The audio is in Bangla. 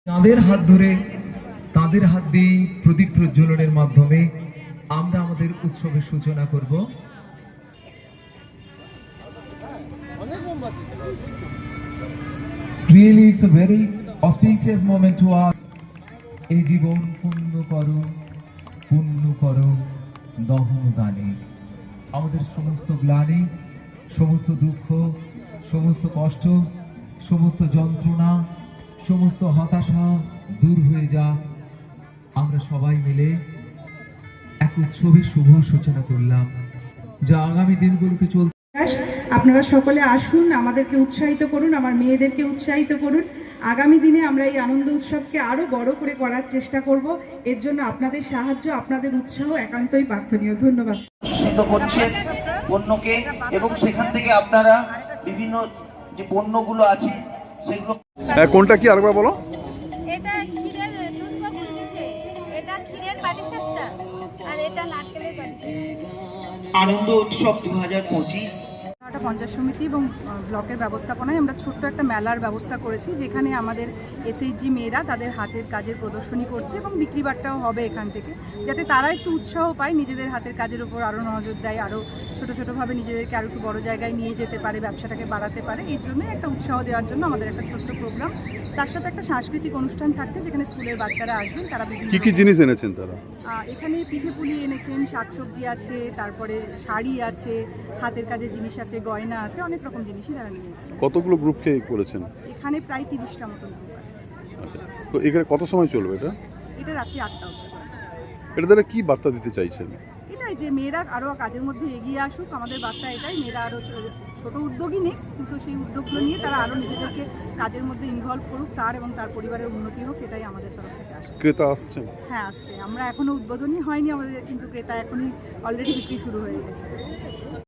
তাদের হাত ধরে তাদের হাত দিয়ে প্রদীপ প্রজ্বলনের মাধ্যমে আমরা আমাদের উৎসবের সূচনা করব। Really, it's a very auspicious moment to us. এই জীবন পূর্ণ করো দহন দানে। আমাদের সমস্ত গ্লানি, সমস্ত দুঃখ, সমস্ত কষ্ট, সমস্ত যন্ত্রণা, সমস্ত হতাশা দূর হয়ে যাক। আমরা সবাই মিলে এক উৎসবের শুভ সূচনা করলাম, যা আগামী দিনগুলোতে চলবে। আপনারা সকলে আসুন, আমাদেরকে উৎসাহিত করুন, আমার মেয়েদেরকে উৎসাহিত করুন। আগামী দিনে আমরা এই আনন্দ উৎসবকে আরো বড় করে করার চেষ্টা করব। এর জন্য আপনাদের সাহায্য, আপনাদের উৎসাহ একান্তই প্রার্থনীয়। ধন্যবাদ। করছে পণ্যকে, এবং সেখান থেকে আপনারা বিভিন্ন যে পণ্যগুলো আছে সেগুলো। কোনটা কি আরেকবার বলো? এটা ক্ষীরের দুধ বকুল পিঠে, এটা ক্ষীরের পাটিসাপটা, আর এটা নারকেলের পাটিসাপটা। আনন্দ উৎসব 2025 পঞ্চায়েত সমিতি এবং ব্লকের ব্যবস্থাপনায় আমরা ছোট্ট একটা মেলার ব্যবস্থা করেছি, যেখানে আমাদের এসএইচজি মেয়েরা তাদের হাতের কাজের প্রদর্শনী করছে এবং বিক্রি বাট্টাও হবে এখান থেকে, যাতে তারা একটু উৎসাহ পায়, নিজেদের হাতের কাজের উপর আরও নজর দেয়, আরও ছোটোভাবে নিজেদেরকে আরও একটু বড় জায়গায় নিয়ে যেতে পারে, ব্যবসাটাকে বাড়াতে পারে। এর জন্য একটা উৎসাহ দেওয়ার জন্য আমাদের একটা ছোট্ট প্রোগ্রাম, তার সাথে একটা সাংস্কৃতিক অনুষ্ঠান থাকছে, যেখানে স্কুলের বাচ্চারা আসবেন। তারা কি জিনিস এনেছেন তারা? এখানে পিঠে পুলি এনেছেন, শাকসবজি আছে, তারপরে শাড়ি আছে, হাতের কাজের জিনিস আছে, গয়না আছে, অনেক রকম জিনিসই তারা নিয়ে এসেছে। কতগুলো গ্রুপকে করেছেন? এখানে প্রায় 30টা মতন গ্রুপ আছে। আচ্ছা, তো এখানে কত সময় চলবে এটা? এটা রাত্রি 8টা অবধি চলবে। এটা দ্বারা কি বার্তা দিতে চাইছেন? এটাই যে মেয়েরা আরও কাজের মধ্যে এগিয়ে আসুক, আমাদের বার্তা এটাই। মেয়েরা আরও ছোট উদ্যোগই নিক, কিন্তু সেই উদ্যোগগুলো নিয়ে তারা আরও নিজেদেরকে কাজের মধ্যে ইনভলভ করুক, তার এবং তার পরিবারের উন্নতি হোক, এটাই আমাদের তরফ থেকে আসে। ক্রেতা আসছেন? হ্যাঁ, আসছে। আমরা এখনও উদ্বোধনই হয়নি আমাদের, কিন্তু ক্রেতা এখনই অলরেডি বিক্রি শুরু হয়ে গেছে।